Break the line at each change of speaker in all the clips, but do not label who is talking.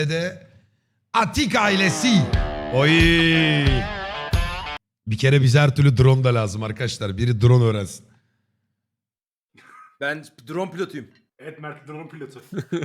de Atik ailesi. Oy. Bir kere bize her türlü drone da lazım arkadaşlar. Biri drone öğrensin.
Ben drone pilotuyum.
Evet Mert drone pilotu.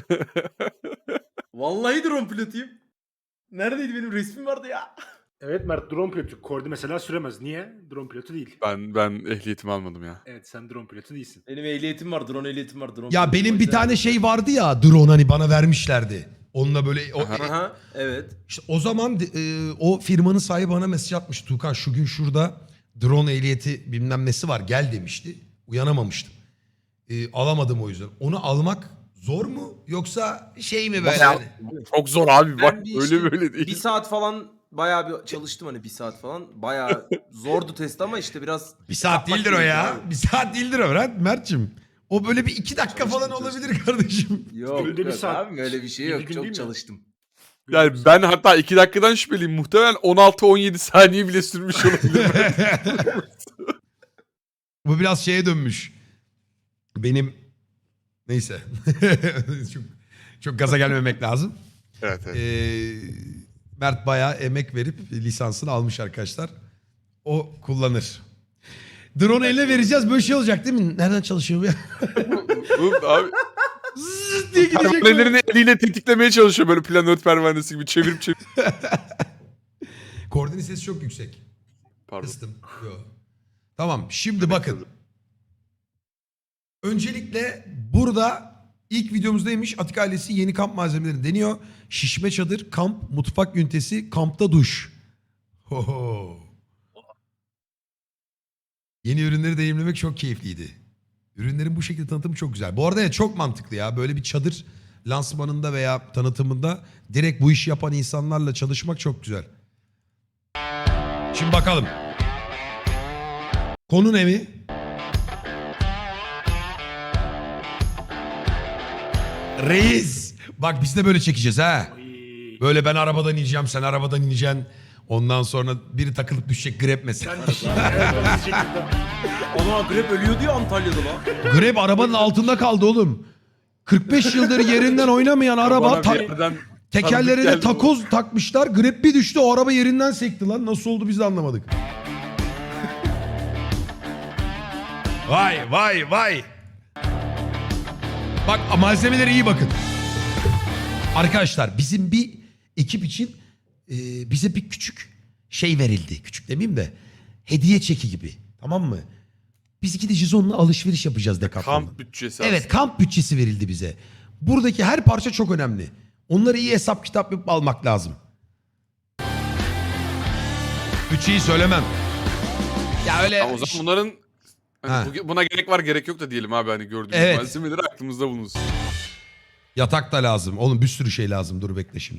Vallahi drone pilotuyum. Neredeydi benim resmim vardı ya.
Evet Mert drone pilotu. Kordi mesela süremez. Niye? Drone pilotu değil.
Ben ehliyetimi almadım ya.
Evet sen drone pilotu değilsin.
Benim ehliyetim var, drone ehliyetim var. Drone
Ya
pilotum
benim
var.
bir tane şey vardı ya, drone hani bana vermişlerdi. Onunla böyle
Aha, evet.
işte o zaman o firmanın sahibi bana mesaj atmış. Tuğkan şu gün şurada drone ehliyeti bilmem nesi var gel demişti. Uyanamamıştım. Alamadım o yüzden. Onu almak zor mu yoksa şey mi böyle?
Bayağı- Çok zor abi bak
Ben bir
öyle
işte
böyle değil.
Bir saat falan bayağı bir çalıştım hani bir saat falan. Bayağı zordu test ama işte biraz...
Bir saat
yapmak
değildir o
gerekiyor
ya.
abi.
Bir saat değildir o Mert'cim. O böyle bir 2 dakika falan olabilir kardeşim.
Yok,
Günde bir
yok
saat.
abi öyle bir şey
Yedi
yok.
gün
Çok
değil mi?
çalıştım.
Yani ben hatta 2 dakikadan şüpheliyim. Muhtemelen 16-17 saniye bile sürmüş olabilir.
Bu biraz şeye dönmüş. Benim neyse. çok, çok gaza gelmemek lazım.
Evet evet.
Mert bayağı emek verip lisansını almış arkadaşlar. O kullanır. Drone eline vereceğiz böyle şey olacak değil mi? Nereden çalışıyor bu ya?
Bu abi
Zıt diye gidecek. böyle.
pervanelerini eliyle tetiklemeye çalışıyor böyle planör pervanesi gibi çevirip çevirip.
Koordinat sesi çok yüksek.
Pardon.
Kıstım. Yo. Tamam şimdi bakın. Öncelikle burada ilk videomuzdaymış Atik ailesi yeni kamp malzemelerini deniyor. Şişme çadır, kamp, mutfak ünitesi, kampta duş. Hoho. Yeni ürünleri deneyimlemek çok keyifliydi. Ürünlerin bu şekilde tanıtımı çok güzel. Bu arada ya çok mantıklı ya. Böyle bir çadır lansmanında veya tanıtımında direkt bu işi yapan insanlarla çalışmak çok güzel. Şimdi bakalım. Konu ne mi? Reis. Bak biz de böyle çekeceğiz ha.
Ay.
Böyle ben arabadan ineceğim, sen arabadan ineceksin. Ondan sonra biri takılıp düşecek grep mesela.
Sen şey ayarlamanız şekilde.
Ana grep ölüyordu ya Antalya'da lan.
Grep arabanın altında kaldı oğlum. 45 yıldır yerinden oynamayan araba
Bana bir yerden
tekerlerine
tanıdık geldi bu.
takoz takmışlar. Grep bir düştü o araba yerinden sekti lan. Nasıl oldu biz de anlamadık. Vay vay vay. Bak malzemelere iyi bakın. Arkadaşlar bizim bir ekip için bize bir küçük şey verildi. Küçük demeyeyim de hediye çeki gibi. Tamam mı? Biz iki de Jizon'la alışveriş yapacağız Decathlon'da.
Kamp bütçesi
Evet kamp bütçesi verildi bize. Buradaki her parça çok önemli. Onları iyi hesap kitap yapıp almak lazım. Bütçeyi söylemem. Ya öyle...
Ya o zaman bunların
Ha.
hani buna gerek var gerek yok da diyelim abi hani gördüğümüz
Evet.
malzemeleri aklımızda bulunsun.
Yatak da lazım. Oğlum bir sürü şey lazım. Dur bekle şimdi.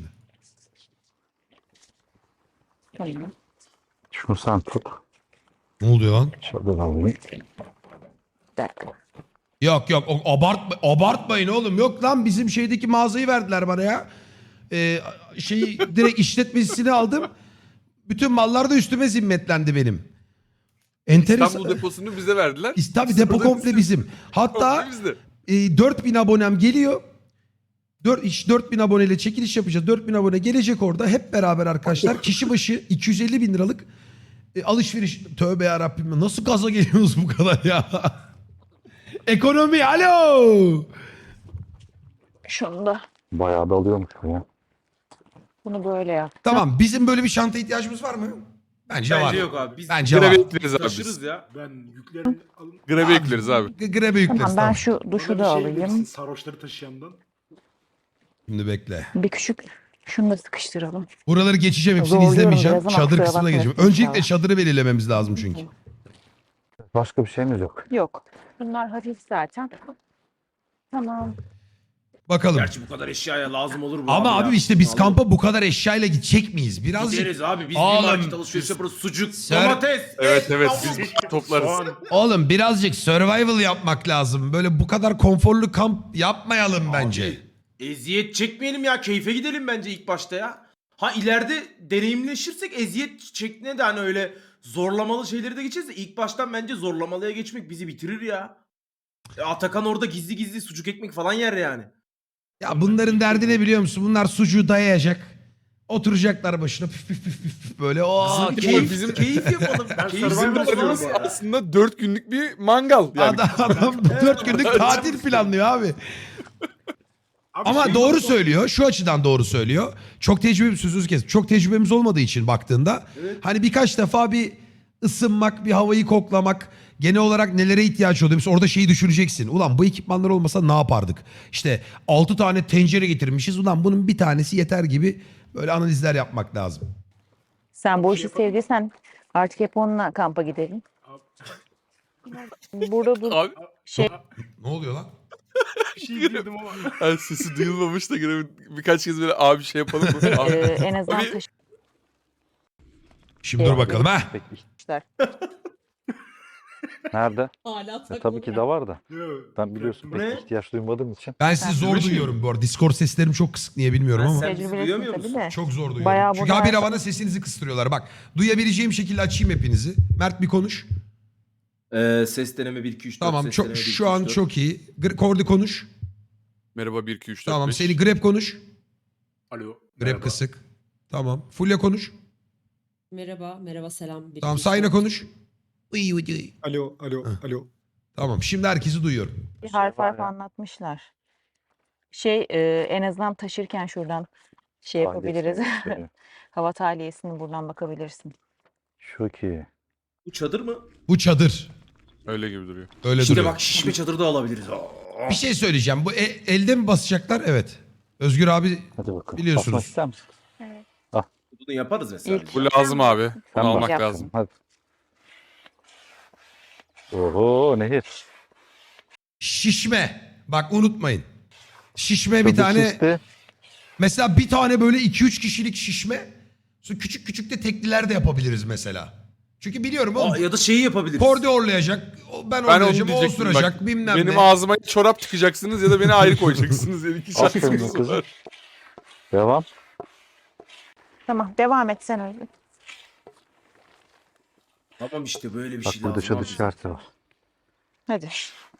Tamam. Şunu sen tut.
Ne oluyor lan?
Şöyle alayım. Bir dakika.
Yok yok abartmayın oğlum. Yok lan bizim şeydeki mağazayı verdiler bana ya. Şeyi direkt işletmesini aldım. Bütün mallar da üstüme zimmetlendi benim. Enteresan.
İstanbul deposunu bize verdiler.
Tabii depo
Sonra
komple bizim. Hatta
Komple bizde.
4000 abonem geliyor. 4000 aboneyle çekiliş yapacağız. 4000 abone gelecek orada. Hep beraber arkadaşlar kişi başı 250 bin liralık alışveriş. Tövbe yarabbim nasıl gaza geliyoruz bu kadar ya? Ekonomi alo.
Şunu da. Bayağı da alıyormuş bu ya. Bunu böyle yap.
Tamam bizim böyle bir çanta ihtiyacımız var mı? Bence var.
Bence yok abi. Biz
Bence var.
Grebe ekleriz abi
taşırız
biz.
ya.
Ben yüklerini alın.
Grebe ekleriz abi.
Grebe yükleriz
Tamam ben
tamam.
şu duşu
Bana bir
da
şey
alayım.
verirsin, sarhoşları taşıyandan.
Şimdi bekle.
Bir küçük şunu da sıkıştıralım.
Buraları geçeceğim hepsini
Zorluyorum
izlemeyeceğim.
biraz ama
Çadır
kusura
kısmına
bakmayın
geçeceğim. Öncelikle
inşallah.
çadırı belirlememiz lazım çünkü.
Başka bir şeyimiz yok. Yok. Bunlar hafif zaten. Tamam.
Bakalım.
Gerçi bu kadar eşyaya lazım olur mu
Ama
ya?
abi işte biz
Vallahi.
kampa bu kadar eşyayla gidecek miyiz? Birazcık.
Gideriz abi. Biz
Oğlum,
bir market alışveriş yaparız. Sucuk,
Ser-
domates.
Evet evet
tavuk.
biz toplarız.
Soğan.
Oğlum birazcık survival yapmak lazım. Böyle bu kadar konforlu kamp yapmayalım bence.
Eziyet çekmeyelim ya. Keyfe gidelim bence ilk başta ya. Ha ileride deneyimleşirsek eziyet çekmeye de hani öyle zorlamalı şeyleri de geçeceğiz de ilk baştan bence zorlamalıya geçmek bizi bitirir ya. Atakan orada gizli gizli sucuk ekmek falan yer yani.
Ya bunların derdi ne biliyor musun? Bunlar sucuğu dayayacak. Oturacaklar başına püf püf püf püf böyle. Oo,
bizim-
Keyif yapalım.
Ben
Keyif
Survivor
yapalım
seviyorum
abi.
bu arada.
Aslında 4 günlük bir mangal. Yani
adam 4 günlük tatil planlıyor abi.
Abi
Ama
şey
doğru
var,
söylüyor. Şu açıdan doğru söylüyor. Çok tecrübemiz sözünüzü kes. Çok tecrübemiz olmadığı için baktığında hani birkaç defa bir ısınmak, bir havayı koklamak, genel olarak nelere ihtiyaç oluyor. Mesela orada şeyi düşüneceksin. Ulan bu ekipmanlar olmasa ne yapardık? İşte 6 tane tencere getirmişiz. Ulan bunun bir tanesi yeter gibi böyle analizler yapmak lazım.
Sen bu işi sevdiysen artık hep onunla kampa gidelim. Burada dur.
abi
Şey
Ne oluyor lan?
bir şey girdim ama.
yani sesi duyulmamış da gene birkaç kez böyle abi şey yapalım mı? Abi,
en azından
Abi-
Şimdi dur bakalım ha.
taşımışlar.
Nerede?
Hala takmadı.
Tabii ki de var da.
Yok,
Ben biliyorsun
bu ne?
pek ihtiyaç duymadığım için.
Ben sizi zor
Duymuyor
duyuyorum bu arada. Discord seslerim çok kısık niye bilmiyorum
Ben
ama.
sen- bizi
Tecrübelisin
duyamıyor
tabii
musun?
de.
Çok zor duyuyorum.
Bayağı
Çünkü
burada
habire
her-
bana sesinizi kıstırıyorlar. Bak duyabileceğim şekilde açayım hepinizi. Mert bir konuş.
Ses deneme 1 2 3 4.
Tamam
ses
çok
deneme 1, 2,
şu an
3, 4.
çok iyi. Kordi konuş.
Merhaba 1 2 3 4
Tamam
5.
seni Grep konuş.
Alo.
Grep
merhaba.
kısık. Tamam. Fulya konuş.
Merhaba selam. Bir
Tamam
iki,
Sayna
üç,
konuş. Uy, uy, uy.
Alo, alo,
Heh.
alo.
Tamam şimdi herkesi duyuyorum.
Bir harf
var
harf
ya.
anlatmışlar. En azından taşırken şuradan şey yapabiliriz.
Şey,
Hava tahliyesini buradan bakabilirsin.
Şu ki.
Bu çadır mı?
Bu çadır.
Öyle gibi duruyor.
Öyle
İşte
duruyor.
bak şişme çadır da alabiliriz. Aa.
Bir şey söyleyeceğim. Bu elde mi basacaklar? Evet. Özgür abi
Hadi bakalım.
Biliyorsunuz.
Basmak ister misin?
Bunu yaparız mesela.
İlk-
Bu lazım abi.
Sen
Bunu
bak.
almak
Yap.
lazım.
Hadi. Oho nehir.
şişme. Bak unutmayın. Şişme bir
Çabuk
tane.
şişti.
Mesela bir tane böyle 2-3 kişilik şişme. Sonra küçük küçük de tekliler de yapabiliriz mesela. Çünkü biliyorum oğlum.
Aa, ya da şeyi yapabiliriz.
Kordi orlayacak. Ben
Ben onu
orlayacağım. O
diyecektim
osuracak.
bak.
Bilmem
Benim
ne.
ağzıma çorap tıkacaksınız ya da beni ayrı koyacaksınız. Yani iki
Aferin
şansımız
kızım.
var.
Devam.
Tamam devam et sen öyle.
Tamam işte böyle bir
Bak
şey
burada
lazım.
çadır
abi.
işareti var.
Hadi.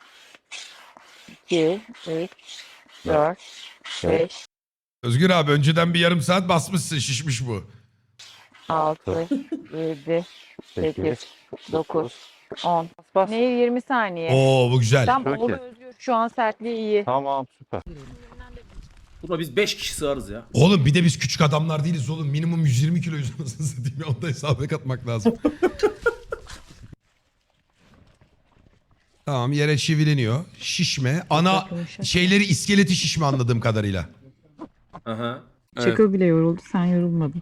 2, 3, 4, 5,
Özgür abi önceden bir yarım saat basmışsın. Şişmiş bu.
6, 7, 8,
8,
9, 10.
Bas.
Nehir 20 saniye.
Oo bu güzel.
Tam
Çok
oldu
iyi.
Özgür. Şu an sertliği iyi.
Tamam süper.
Buna biz 5 kişi sığarız ya.
Oğlum bir de biz küçük adamlar değiliz oğlum. Minimum 120 kiloyuz anasını satayım. Onu da hesaba katmak lazım. Tamam yere çivileniyor. Şişme. Ana şeyleri iskeleti şişme anladığım kadarıyla.
Aha.
Evet.
Çakıl bile yoruldu. Sen yorulmadın.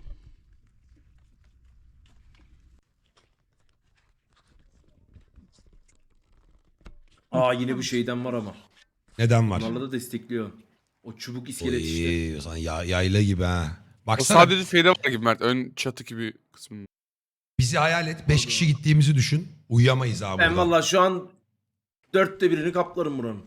Aa yine bu şeyden var ama.
Neden var?
Bunlarla da destekliyor. O çubuk iskelet işte.
Oy, sen yayla gibi ha.
O
Baksana
sadece şeyde var gibi Mert. Ön çatı gibi kısmında.
bizi hayal et. 5 kişi gittiğimizi düşün. Uyuyamayız abi.
Ben
burada.
valla şu an 1/4'ünü kaplarım buranın.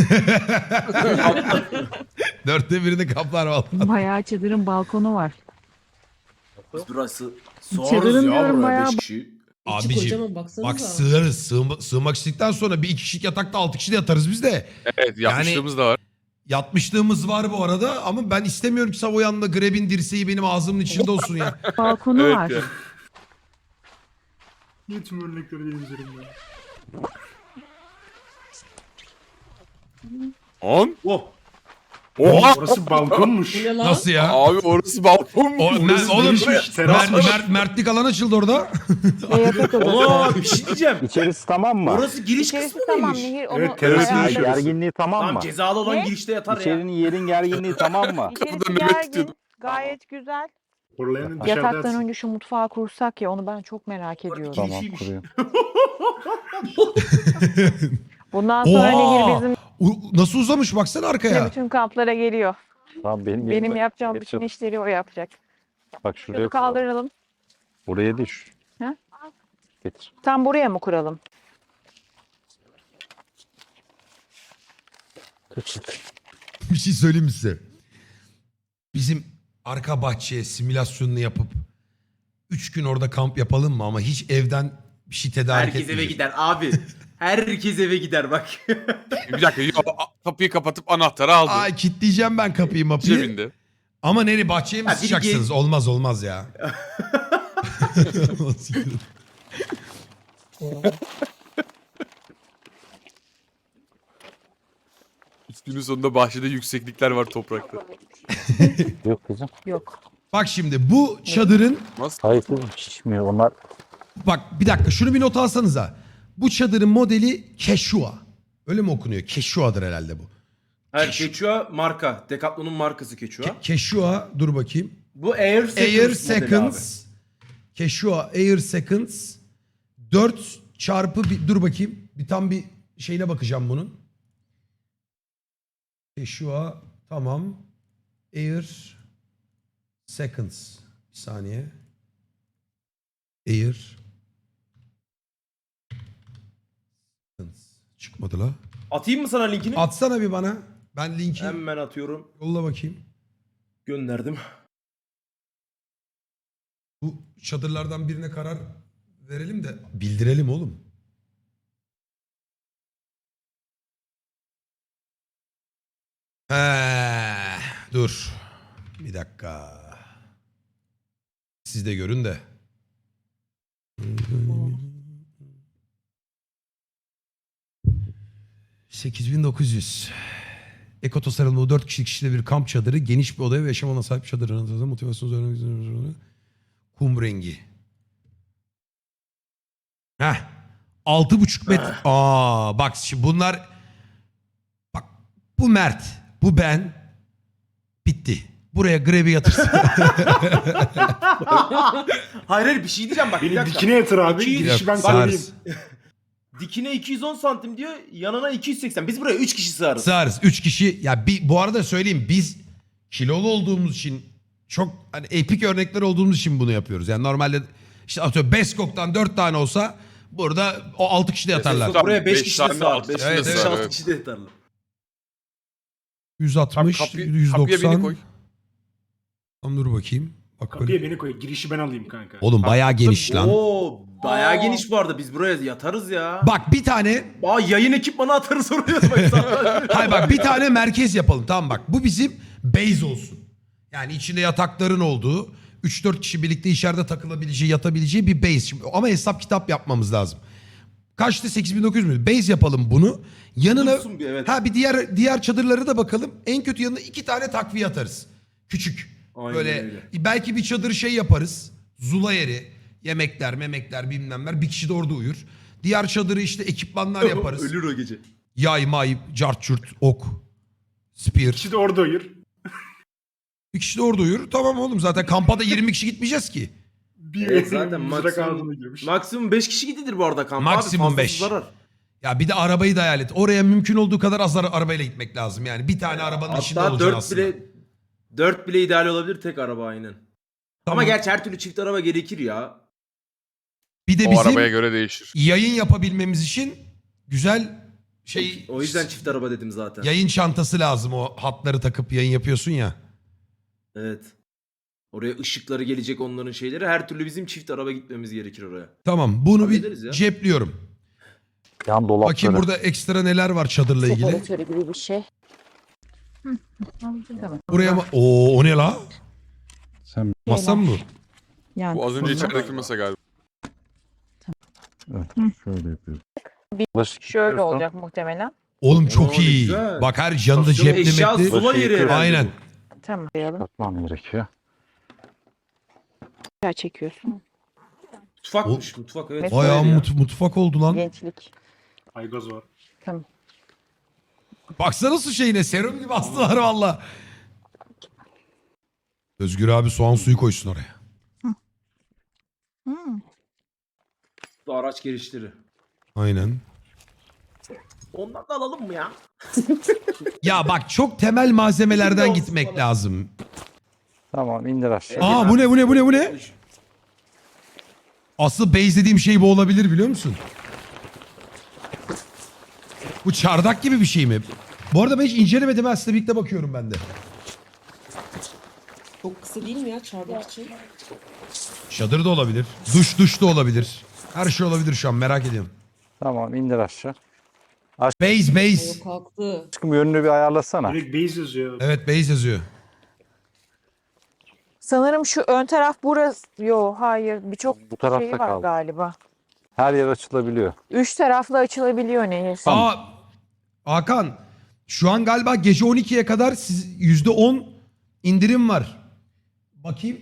4'te birini kaplar vallahi.
Bayağı çadırın balkonu var.
Biz burası
Çadırın
sığarız ya
diyorum,
buraya
bayağı
5 kişi.
İçi
Abicim
kocaman baksanıza.
bak sığarız. Sığmak istedikten sonra bir 2 kişilik yatakta 6 kişi de yatarız biz de.
Evet yapmışlığımız da var.
Yatmışlığımız var bu arada ama ben istemiyorum ki Savoyan'la Greb'in dirseği benim ağzımın içinde olsun ya.
Balkonu
Evet
var.
ya.
Niye tüm örnekleri benim üzerimde?
10.
Oh.
Oha!
Orası balkonmuş.
Bu ne lan?
Nasıl ya?
Abi orası balkon mu?
Oğlum
Teras var.
Mertlik alan açıldı orada.
Ve yatak odası.
Allah bir şey diyeceğim.
İçerisi tamam mı?
Orası giriş
İçerisi
kısmı
tamam
mıymış?
Nehir onu
Evet, terası
Ya,
yaşıyoruz.
gerginliği tamam
Tamam
mı?
cezalı olan
Ne?
girişte yatar ya.
İçerinin yerin gerginliği tamam mı?
İçerisi
Kapıda nöbet
gergin.
tutuyordu.
Gayet güzel.
Horlayanın dışarıda
Yataktan
yatsın.
önce şu mutfağı kursak ya onu ben çok merak ediyorum.
Tamam.
Tamam
Girişiymiş.
kuruyorum.
Bundan sonra Nehir bizim
Nasıl uzamış baksana arkaya.
bütün kamplara geliyor.
Tamam benim
Benim
yerime
yapacağım
geç
bütün
otur.
işleri o yapacak.
Bak şuraya
Şunu
kuralım.
kaldıralım.
Buraya değil şu.
Ha?
Getir.
Tam buraya mı kuralım?
Bir şey söyleyeyim mi size? Bizim arka bahçeye simülasyonunu yapıp 3 gün orada kamp yapalım mı ama hiç evden bir şey tedarik
Herkes eve
etmeyelim.
gider abi. Herkes eve gider bak.
Bir dakika kapıyı kapatıp anahtarı aldı.
Ay kilitleyeceğim ben kapıyı mapıyı.
Cebinde.
Ama nereye bahçeye mi
Ha, biri
sıçacaksınız? Olmaz ya.
Günün sonunda bahçede yükseklikler var toprakta.
Yok kızım.
Yok.
Bak şimdi bu çadırın
Nasıl?
Hayır kızım şişmiyor. Onlar
bak bir dakika şunu bir not alsanıza. Bu çadırın modeli Quechua. Öyle mi okunuyor? Quechua'dır herhalde bu.
Hayır Quechua marka. Decathlon'un markası Quechua.
Quechua dur bakayım.
Bu Air Seconds
Air
modeli
Seconds. Quechua Air Seconds. 4 çarpı bir, dur bakayım. Bir tam bir şeyine bakacağım bunun. Quechua tamam. Air Seconds. Bir saniye. Air Seconds. Çıkmadı la.
Atayım mı sana linkini?
Atsana bir bana. Ben linki
Hemen atıyorum.
yolla bakayım.
Gönderdim.
Bu çadırlardan birine karar verelim de bildirelim oğlum. Dur. Bir dakika. Siz de görün de. $8.900. Eko tasarımlı 4 kişilik bir kamp çadırı, geniş bir odaya ve yaşam alanına sahip çadırın motivasyonu üzerine kum rengi. Heh. 6,5 metre. Bak şimdi bunlar bak bu Mert, bu ben bitti. Buraya grevi yatırsın.
Hayır bir şey diyeceğim bak. bir
Beni
dakika.
dikine yatır abi.
İki-
Girişi ben
Yok,
söyleyeyim.
sığarız.
Dikine 210 santim diyor. Yanına 280. Biz buraya 3 kişi sığarız.
Sığarız. 3 kişi. Ya bu arada söyleyeyim biz kilolu olduğumuz için çok hani epik örnekler olduğumuz için bunu yapıyoruz. Yani normalde işte atıyorum Beskok'tan 4 tane olsa burada o 6 kişi de yatarlar.
Tabii,
Buraya 5
beş
kişi de
tane,
sığar.
altı
5
kişi
de sığar,
6
evet.
kişi de yatarlar.
160,
Kapıya
190.
beni koy.
Tamam dur bakayım. Bak
Kapıya
böyle.
beni koy. Girişi ben alayım kanka.
Oğlum bayağı geniş lan.
Oo, bayağı geniş bu arada. Biz buraya yatarız ya.
Bak bir tane
Yayın ekipmanı atarız oraya. Bak,
hayır bak bir tane merkez yapalım tamam bak. Bu bizim base olsun. Yani içinde yatakların olduğu 3-4 kişi birlikte içeride takılabileceği yatabileceği bir base. Şimdi, ama hesap kitap yapmamız lazım. Kaçtı 8.900 mü? Base yapalım bunu. Yanına
Dursun bir, evet.
bir diğer çadırları da bakalım. En kötü yanına 2 tane takviye atarız. Küçük.
Aynen
Böyle
öyle.
belki bir çadır şey yaparız. Zula yeri, yemekler, memekler bilmemler. Bir kişi de orada uyur. Diğer çadırı işte ekipmanlar yaparız.
Ölür o gece.
Yay, may, cart, çurt, ok, spear.
İkisi de orada uyur.
Bir kişi de orada uyur. Tamam oğlum zaten kampa da 20 kişi gitmeyeceğiz ki.
Bir
Evet, zaten
mızrak ağzına
maksimum,
girmiş.
maksimum 5 kişi gidilir bu arada kampa.
Maksimum
abi, fazlası
5.
zarar.
Ya bir de arabayı da hayal et. Oraya mümkün olduğu kadar az arabayla gitmek lazım. Yani bir tane arabanın içinde
Hatta
olacaksın
4
aslında.
bile 4 bile ideal olabilir tek araba aynen. Ama
Tamam.
gerçi her türlü çift araba gerekir ya.
Bir de
O
bizim
arabaya göre değişir.
yayın yapabilmemiz için güzel şey
O yüzden çift araba dedim zaten.
yayın çantası lazım. O hatları takıp yayın yapıyorsun ya.
Evet. Oraya ışıkları gelecek onların şeyleri. Her türlü bizim çift araba gitmemiz gerekir oraya.
Tamam bunu
Hallederiz
bir
ya.
cepliyorum.
yan dolapları.
Bakayım burada ekstra neler var çadırla ilgili.
Separatörü gibi bir şey. Tamam.
Buraya mı? Oo o ne la?
Sen
Masa mı bu?
Yani
Bu az önce içerideki masa galiba.
evet, şöyle yapıyoruz. Bulaşık
şöyle
yıkıyorsun.
olacak muhtemelen.
Oğlum
Oo,
çok
ne
iyi.
güzel.
Bak her yanında
Yok,
cepli
eşya
metli.
zula yeri herhalde.
Aynen.
Tamam.
Katmam gerekiyor.
Aşağı çekiyorsun.
Mutfakmış mutfak evet.
Bayağı
Öyle ya.
mutfak oldu lan.
Gençlik.
Aygoz var.
Tamam.
Baksana su şeyine serum gibi astılar valla. Özgür abi soğan suyu koysun oraya.
Bu araç girişleri.
Aynen.
Ondan da alalım mı ya?
Ya bak çok temel malzemelerden
Olsun
gitmek
falan.
lazım.
Tamam indir aşağı.
Aa bu ne? Asıl base dediğim şey bu olabilir biliyor musun? Bu çardak gibi bir şey mi? Bu arada ben hiç incelemedim ha. Sizle birlikte bakıyorum ben de.
Çok kısa değil mi ya çardak için?
Çadır da olabilir. Duş da olabilir. Her şey olabilir şu an merak ediyorum.
Tamam indir aşağı.
Base.
Yok kalktı.
Aşkım yönünü bir ayarlasana.
Direkt base yazıyor.
Evet base yazıyor.
Sanırım şu ön taraf burası. Yo hayır birçok
Bu tarafta
şey var
kaldı.
galiba.
Her yer açılabiliyor.
3 taraflı açılabiliyor nehir.
Aa Hakan şu an galiba gece 12'ye kadar siz %10 indirim var. Bakayım.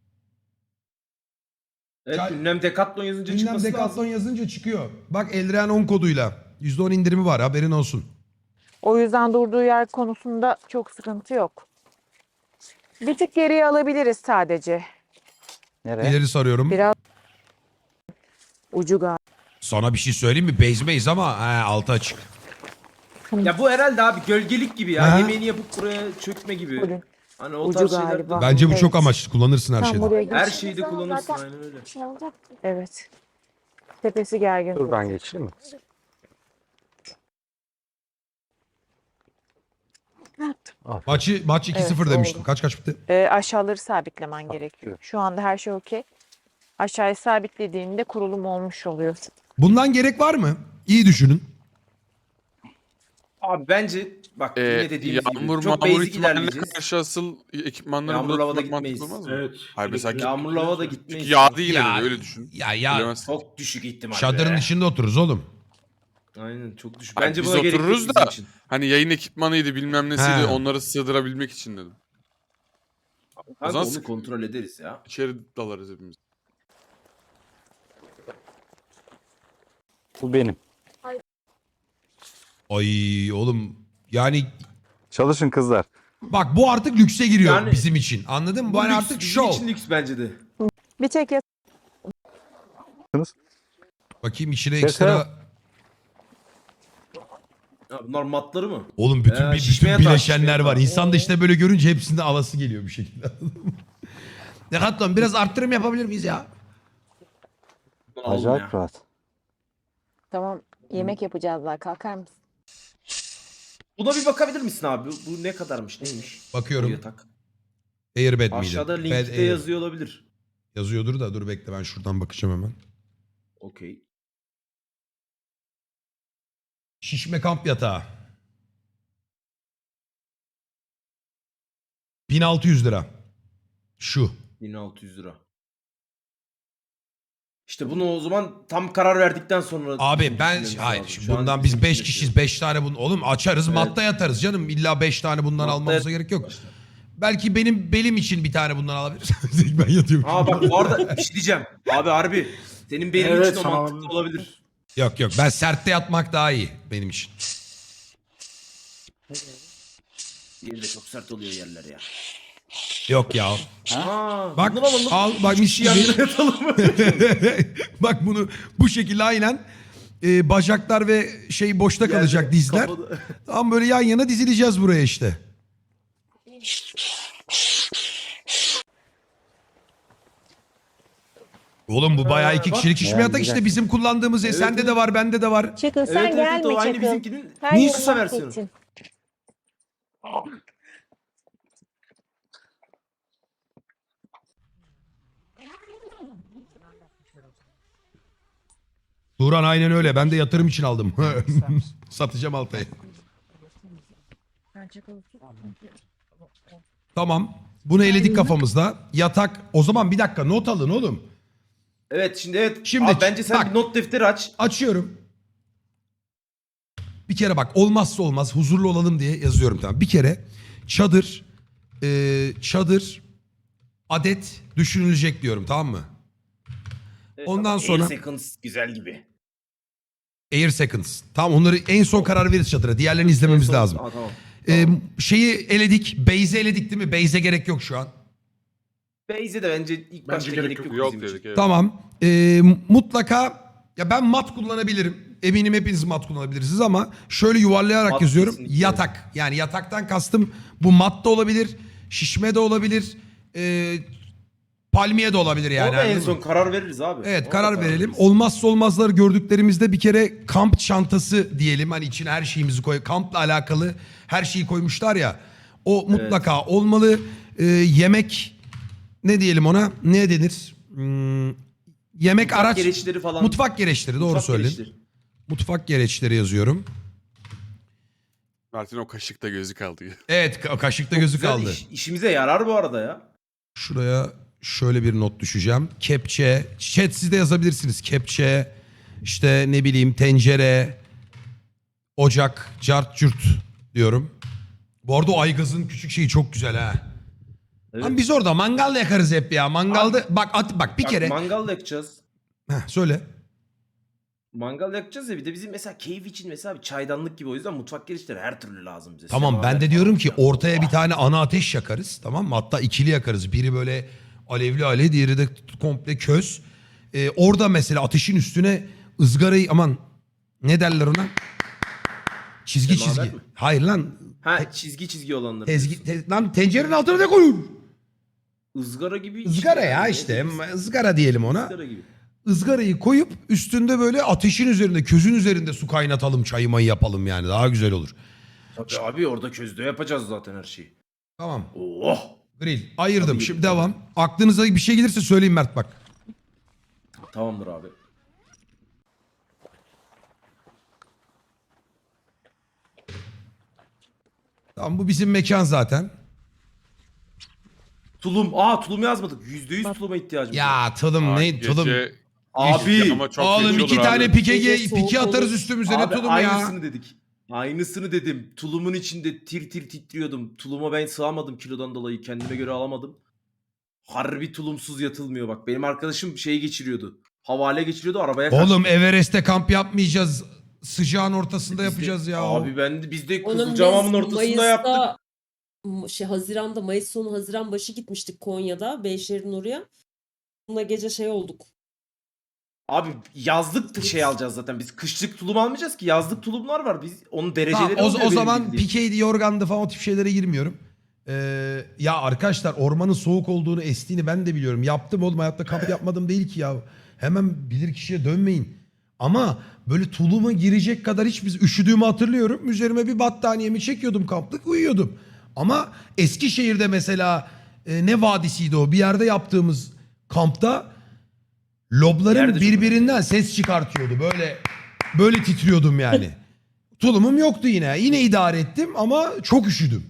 Evet
Çay-
ünlem Decathlon yazınca
Ünlem
çıkması
Decathlon
lazım.
yazınca çıkıyor. Bak Eldren 10 koduyla. %10 indirimi var haberin olsun.
O yüzden durduğu yer konusunda çok sıkıntı yok. Bir tık geriye alabiliriz sadece.
Nereye?
İleri sarıyorum.
Biraz ucu galiba.
Sana bir şey söyleyeyim mi? Base ama altı açık.
Ya bu herhalde abi gölgelik gibi ya.
Ha?
Yemeğini yapıp buraya çökme gibi.
Ucu-
Hani o
ucu
tarz şeyler de-
galiba.
Bence bu
Evet.
çok amaçlı. Kullanırsın her
Tam
şeyde.
buraya geç.
Her şeyi de kullanırsın aynen öyle.
Evet. Tepesi gergin.
Dur ben geçeyim mi?
Maç 2-0
Evet,
demiştim.
oldu.
Kaç bitti?
Aşağıları sabitlemen gerekiyor. Şu anda her şey okey. Aşağıyı sabitlediğinde kurulum olmuş oluyor.
Bundan gerek var mı? İyi düşünün.
Abi bence bak yine dediğimiz
Yağmur
gibi çok
mağmur
basic
ihtimaline
ilerleyeceğiz.
karşı asıl ekipmanları
Yağmur
burada
havada
tutmak mantıklı
gitmeyiz.
olmaz mı?
Evet.
Hayır mesela
Yağmurlu havada
çünkü
gitmeyiz.
yağdı yine
Ya-
de öyle düşün.
Ya
Bilemezsin.
Çok düşük ihtimal.
çadırın
be.
içinde otururuz oğlum.
Aynen çok düşük.
Hayır,
Bence
biz
buna gerek yok
otururuz
bizim
da
için.
hani yayın ekipmanıydı bilmem nesiydi
He.
onları sığdırabilmek için dedim.
Kanka
zaman
onu
sık-
kontrol ederiz ya.
İçeri dalarız hepimiz.
Bu benim.
Ay oğlum yani
Çalışın kızlar.
bak bu artık lükse giriyor
Yani-
bizim için. Anladın mı? Bu hani
lüks,
artık
bizim
show.
için lüks bence de.
Bir tek
Bakayım içine
Şaka.
ekstra.
Ya bunlar matları mı?
Oğlum bütün
şişmeye
bütün
taş,
bileşenler
şişmeye
var.
taş.
İnsan da işte böyle görünce hepsinde alası geliyor bir şekilde. Decathlon biraz arttırım yapabilir miyiz ya?
Bunu alalım
Acayip
ya.
rahat.
tamam yemek yapacağız daha kalkar mısın?
Buna bir bakabilir misin abi? Bu ne kadarmış neymiş? Bu
Bakıyorum.
yatak.
Airbed miydi?
Aşağıda
Bed
linkte
Air.
yazıyor olabilir.
Yazıyordur da dur bekle ben şuradan bakacağım hemen.
Okey.
Şişme kamp yatağı. 1600 lira. Şu.
1600 lira. İşte bunu o zaman tam karar verdikten sonra
Abi ben
düşünmemiz
hayır
lazım.
şimdi
Şu an
bundan
bizim
biz 5
için
kişiyiz 5 tane bunu oğlum açarız
Evet.
matta yatarız canım illa 5 tane bundan
Matta
almamıza
yat-
gerek yok. Belki benim belim için bir tane bundan alabiliriz. Ben yatıyorum.
Aa bak bu arada bir şey diyeceğim. Abi harbi. Senin benim
Evet,
için o
sana
mantıklı olabilir.
Yok yok ben sertte yatmak daha iyi benim için.
Diğeri de çok sert oluyor yerler ya.
Yok ya.
Aa,
Bak
bundan alalım.
al bak mis
Yan
gibi.
yana yatalım.
Bak bunu bu şekilde aynen bacaklar ve şey boşta kalacak
Yerde,
dizler.
kafada.
Tam böyle yan yana dizileceğiz buraya işte. Oğlum bu bayağı iki kişilik şişme yatak işte bizim kullandığımız sende
evet.
de var bende de var.
Çakıl
Evet
sen
evet,
gelme
o aynı
Çakıl.
bizimkinin
Her
Niye
yeri
kısa versiyonu.
mahvettin.
Turan aynen öyle ben de yatırım için aldım. Satacağım Altay'ı. Tamam. Bunu eledik kafamızda. Yatak. O zaman bir dakika not alın oğlum.
Evet şimdi evet.
Şimdi
Abi, bence sen
bak.
bir not defteri aç.
Açıyorum. Bir kere bak olmazsa olmaz huzurlu olalım diye yazıyorum tamam. Bir kere çadır adet düşünülecek diyorum tamam mı?
Evet,
Ondan
bak,
sonra-
8 seconds güzel gibi.
Air Seconds. Tamam onları en son karar veririz çadıra. Diğerlerini izlememiz lazım.
Aa, tamam.
Şeyi eledik. Base'i eledik değil mi? Base'e gerek yok şu an.
Beyze de bence ilk başta gerek yok.
Yok
bizim için.
dedik evet.
Tamam. Mutlaka ya ben mat kullanabilirim. Eminim hepiniz mat kullanabilirsiniz ama şöyle yuvarlayarak
Mat
yazıyorum.
kesinlikle.
Yatak. Yani yataktan kastım bu mat da olabilir. Şişme de olabilir. Palmiye de olabilir yani.
Orada en
anladın
son
mı?
karar veririz abi.
Evet
Orada
karar verelim.
veririz.
Olmazsa olmazları gördüklerimizde bir kere kamp çantası diyelim. Hani içine her şeyimizi koy. Kampla alakalı her şeyi koymuşlar ya. O mutlaka olmalı. Yemek ne diyelim ona? Ne denir? Yemek
Mutfak
araç.
gereçleri falan.
Mutfak gereçleri doğru
Mutfak
söyledin.
gereçleri.
Mutfak gereçleri yazıyorum.
Mert'in o kaşıkta gözü kaldı.
Evet kaşıkta gözü
Güzel
kaldı.
işimize yarar bu arada ya.
Şuraya şöyle bir not düşeceğim. Kepçe. Chat siz de yazabilirsiniz. Kepçe. İşte ne bileyim tencere. Ocak. Cart cürt diyorum. Bu arada o aygazın küçük şeyi çok güzel ha.
Evet.
Lan biz orada mangal yakarız hep ya. Mangalda bak bir
Bak,
kere.
mangal yakacağız.
Söyle.
Mangal yakacağız ya bir de bizim mesela keyif için mesela bir çaydanlık gibi o yüzden mutfak gereçleri her türlü lazım bize.
Tamam ben
Semaver
de
falan
diyorum ki
filan.
ortaya bir tane ana ateş yakarız, tamam mı? Hatta ikili yakarız. Biri böyle alevli diğeri de komple köz. Orada mesela ateşin üstüne ızgarayı aman ne derler ona? Çizgi
Semaver
çizgi.
mi?
Hayır lan.
Ha çizgi olanları.
Lan tencerenin altına ne koyun?
Izgara gibi.
Izgara ya
yani.
işte.
Ne?
Izgara diyelim ona.
Izgara gibi.
Izgarayı koyup üstünde böyle ateşin üzerinde, közün üzerinde su kaynatalım, çayı mayı yapalım yani. Daha güzel olur.
Tabii abi orada közde yapacağız zaten her şeyi.
Tamam.
Oh.
Grill. Ayırdım.
Tabii,
Şimdi
tabii.
devam. Aklınıza bir şey gelirse söyleyin Mert bak.
Tamamdır abi.
Tamam bu bizim mekan zaten.
Tulum. Tulum yazmadık. %100 tuluma ihtiyacımız var.
Ya tulum
Aa,
ne
gece
tulum.
Abi.
ama çok
Oğlum
feci
iki
olur
tane
abi.
pike
Gece soğuk
pike atarız
olur.
üstümüze ne
Abi
tulum
aynısını
ya.
dedik. Aynısını dedim. Tulumun içinde tir tir titriyordum. Tuluma ben sığamadım kilodan dolayı. Kendime göre alamadım. Harbi tulumsuz yatılmıyor bak. Benim arkadaşım şey geçiriyordu. Havale geçiriyordu arabaya kaçtı.
Oğlum Everest'te kamp yapmayacağız. Sıcağın ortasında
Biz de-
yapacağız ya.
Abi biz de
Onun
Kızılcahamam'ın
biz
ortasında yaptık.
Haziran'da, Mayıs sonu Haziran başı gitmiştik Konya'da. Beyşehir'in oraya. Bununla gece şey olduk.
Abi yazlık şey alacağız zaten. Biz kışlık tulum almayacağız ki. Yazlık tulumlar var. Biz onun
Tamam,
dereceleri
o
oluyor benim
zaman
bildiğim.
pikeydi, yorgandı falan o tip şeylere girmiyorum. Ya arkadaşlar ormanın soğuk olduğunu, estiğini ben de biliyorum. Yaptım oğlum, hayatta kamp yapmadım değil ki ya. Hemen bilir kişiye dönmeyin. Ama böyle tuluma girecek kadar hiç biz üşüdüğümü hatırlıyorum. Üzerime bir battaniyemi çekiyordum, kamplık uyuyordum. Ama Eskişehir'de mesela ne vadisiydi o? Bir yerde yaptığımız kampta lobların
Nerede çok
birbirinden ses çıkartıyordu. Böyle titriyordum yani. Tulumum yoktu yine. Yine idare ettim ama çok üşüdüm.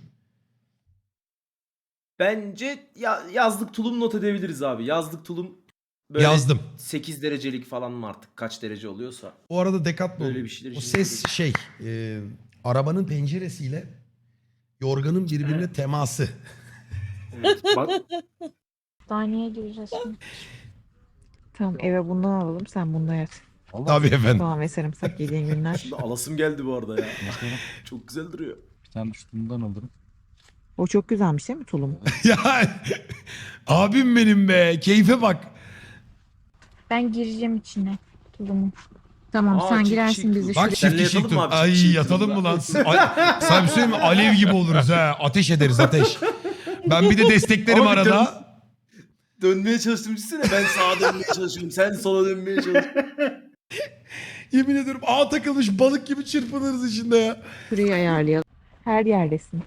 Bence yazlık tulum not edebiliriz abi. Yazlık tulum böyle
Yazdım.
8 derecelik falan mı artık kaç derece oluyorsa.
O arada Decathlon.
Böyle bir şeyler
O
için
ses arabanın penceresiyle yorganın birbirine teması.
Evet, bak,
Hastaneye gireceğiz şimdi. Tamam eve bundan alalım sen bunda yat.
Tabii efendim.
Soğan ve sarımsak yediğin günler.
Şimdi alasım geldi bu arada ya. Çok güzel duruyor.
Bir tane üstünden alırım.
O çok güzelmiş değil mi tulum?
Ya abim benim be. Keyfe bak.
Ben gireceğim içine tulumun. Tamam
Aa,
sen
çift
girersin
kişilik
bizi
tulum.
Bak
şuraya.
Senle
çift kişilik
yatalım mı
tur.
abi, çift
Ay
kişilik
yatalım mı
turla?
lan? Sana bir şey söyleyeyim mi? Alev gibi oluruz ha. Ateş ederiz ateş. Ben bir de desteklerim
Abi
arada.
Dönmeye çalıştım düşünsene. Ben sağa dönmeye çalışıyorum. Sen sola dönmeye çalışıyorsun.
Yemin ediyorum ağa takılmış balık gibi çırpınırız içinde ya.
Şurayı ayarlayalım. Her yerdesin.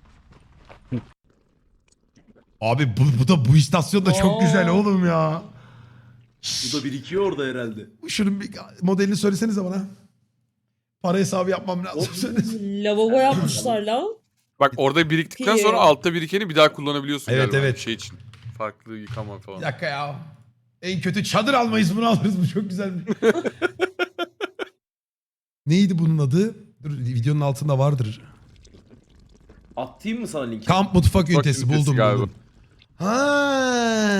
Abi bu istasyon da çok
Aa.
güzel oğlum ya.
Bu da birikiyor orada herhalde.
Şunun bir modelini söylesenize bana. Para hesabı yapmam lazım.
Lavabo yapmışlar lan.
Bak orada biriktikten sonra altta birikeni bir daha kullanabiliyorsun
Evet,
galiba.
evet.
Şey için. Farklı yıkama falan.
Bir dakika ya. En kötü çadır almayız, bunu alırız. Bu çok güzelmiş. Neydi bunun adı? Dur, videonun altında vardır.
Atayım mı sana linki?
Kamp mutfak ünitesi
ünitesi
buldum
galiba.
buldum. Ha.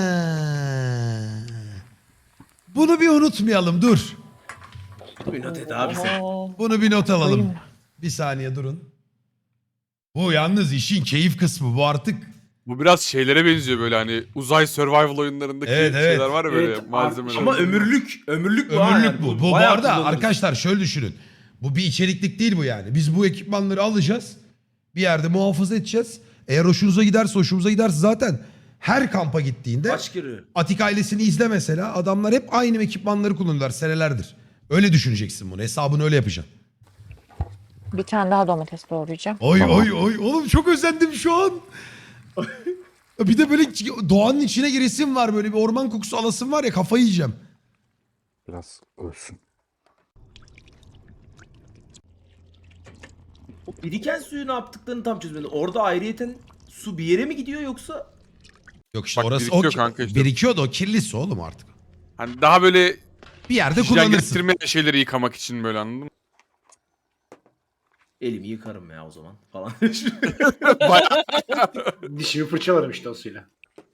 Bunu bir unutmayalım dur.
Bir not et abi sen.
Aa,
Bunu bir not alalım.
Koyayım.
Bir saniye durun. Bu yalnız işin keyif kısmı bu artık.
Bu biraz şeylere benziyor böyle hani uzay survival oyunlarındaki
Evet, evet.
şeyler var ya böyle
Evet,
malzemeler.
ama ömürlük bu ha
Ömürlük
yani.
bu. Bu
bayağı
arada
kullanırız.
arkadaşlar şöyle düşünün. Bu bir içeriklik değil bu yani. Biz bu ekipmanları alacağız. Bir yerde muhafaza edeceğiz. Eğer hoşumuza giderse zaten her kampa gittiğinde
Kaç kere?
Atik ailesini izle mesela. Adamlar hep aynı ekipmanları kullanıyorlar senelerdir. Öyle düşüneceksin bunu. Hesabını öyle yapacaksın.
Bir tane daha domates doğrayacağım.
Oy oy oy. Oğlum çok özendim şu an. Bir de böyle doğanın içine giresim var. Böyle bir orman kokusu alasım var ya, kafayı yiyeceğim.
Biraz ölsün.
Biriken suyu ne yaptıklarını tam çözmedim. Orada ayrıyeten su bir yere mi gidiyor yoksa?
Yok işte
Bak
orası
birikiyor kanka işte.
birikiyordu, o kirli su oğlum artık.
Hani daha böyle
Bir yerde
hijyen
kullanırsın.
getirme şeyleri yıkamak için böyle, anladın mı?
Elimi yıkarım ya o zaman falan.
Dişimi fırçalarım işte o suyla.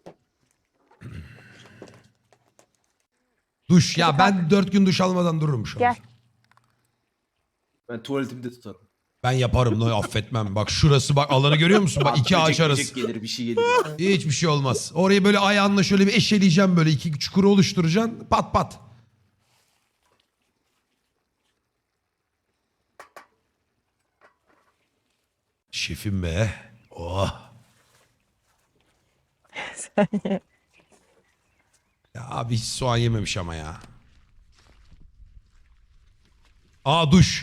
Duş ya, ben 4 gün duş almadan dururum şu an.
Gel.
Ben tuvaletimde tutarım.
Ben yaparım, no, affetmem. Bak şurası, bak alanı görüyor musun? Bak iki
Böcek
ağaç arası.
böcek gelir bir şey gelir.
Hiçbir şey olmaz. Orayı böyle ayağınla şöyle bir eşeleyeceğim, böyle iki çukuru oluşturacaksın. Pat pat. Şefim be. Oh. Ya abi hiç soğan yememiş ama ya. Aa, duş.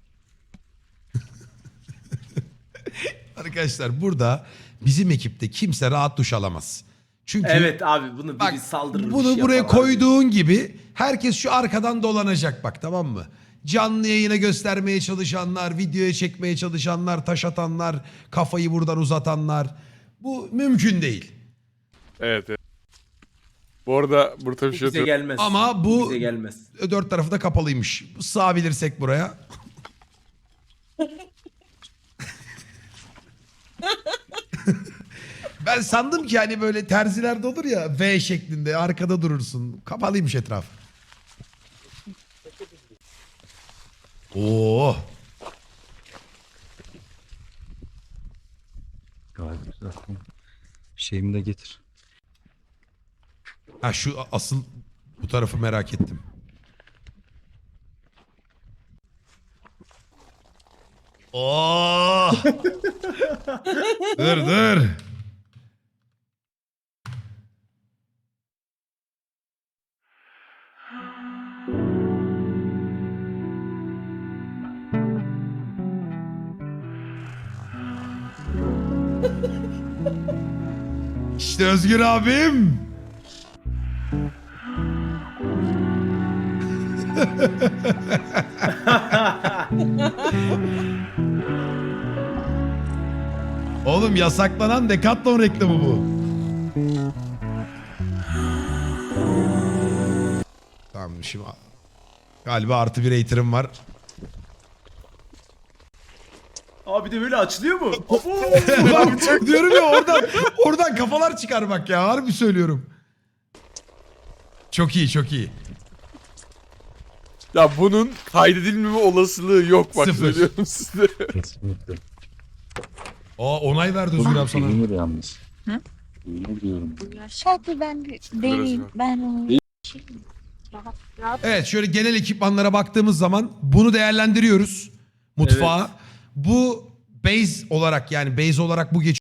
Arkadaşlar burada bizim ekipte kimse rahat duş alamaz. Çünkü
Evet abi bunu
bak,
biri saldırır. bir
bunu
şey
buraya
yapar abi.
koyduğun gibi herkes şu arkadan dolanacak bak, tamam mı? Canlı yayına göstermeye çalışanlar, videoya çekmeye çalışanlar, taş atanlar, kafayı buradan uzatanlar. Bu mümkün değil.
Evet, evet. Bu arada burada
Bu
bir şey
bize
atıyorum.
gelmez.
Ama bu
bize gelmez.
dört tarafı da kapalıymış. Sığabilirsek buraya. Ben sandım ki hani böyle terzilerde olur ya, V şeklinde arkada durursun. Kapalıymış etraf. Oo.
Gayet güzel. Şeyimi de getir.
Ha şu asıl bu tarafı merak ettim. Oo. Dur. İşte Özgür abim. Oğlum yasaklanan Decathlon reklamı bu. Tamam şimdi galiba artı bir hater'ım var.
Abi de böyle açılıyor mu? Abo!
Bak diyorum ya, oradan kafalar çıkar bak ya, harbi söylüyorum. Çok iyi, çok iyi.
Ya bunun kaydedilmeme olasılığı yok, bak
Sıfır.
söylüyorum size.
Kesinlikle.
Aa, onay verdi Özgür abi sana.
Peynir yalnız.
Hı?
Peynir diyorum.
Hadi ben bir deneyeyim. Ben onu rahat
Evet, şöyle genel ekipmanlara baktığımız zaman bunu değerlendiriyoruz. Mutfağa. Bu base olarak, yani base olarak bu geçiyor.